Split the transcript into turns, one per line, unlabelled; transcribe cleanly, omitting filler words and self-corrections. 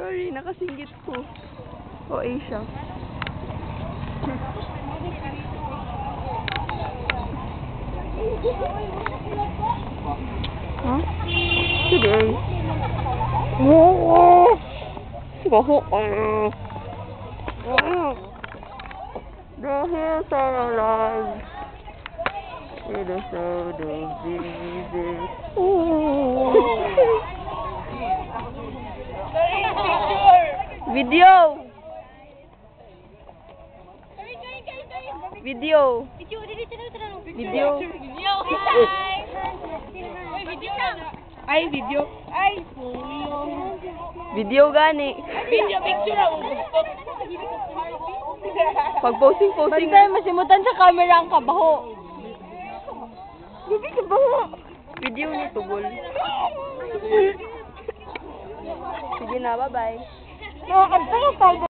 Sorry, nakasinggit ko. O, Asia. Huh? Sige. The hills are alive. It is so busy. Video. Video. Video.
Ay, video. Ay,
Video gani.
video picture ako.
Pag posting.
Basta masimutan sa camera ang kabaho.
Hindi ka baho. Video ni Tugol. Sige na, bye-bye.
Nakakanta ka